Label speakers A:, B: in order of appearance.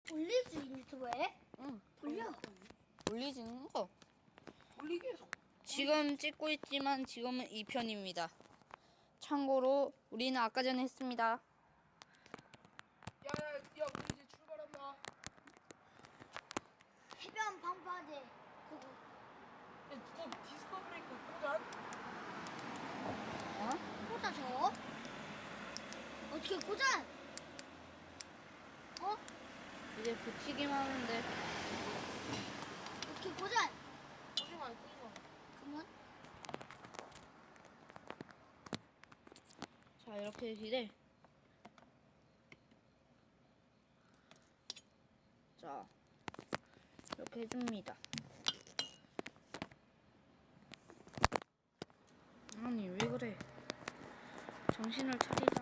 A: 올릴 수 있는 유튜브에?
B: 응.
A: 올려.
B: 올리지는 거.
C: 올리게 해서.
B: 지금 찍고 있지만 지금은 2편입니다. 참고로 우리는 아까 전에 했습니다.
C: 야야 야 우리 이제 출발한다.
A: 해변 방파제 그거.
C: 야 그거 디스코 브레이크 꽂아.
B: 어?
A: 꽂아 저. 어떻게 꽂아? 어?
B: 이제 붙이기만 하는데.
A: 어떻게 꽂아?
C: 꽂지마 꽂지마.
A: 그러면
B: 자, 이렇게 기대. 자, 이렇게 해줍니다. 아니, 왜 그래? 정신을 차리자.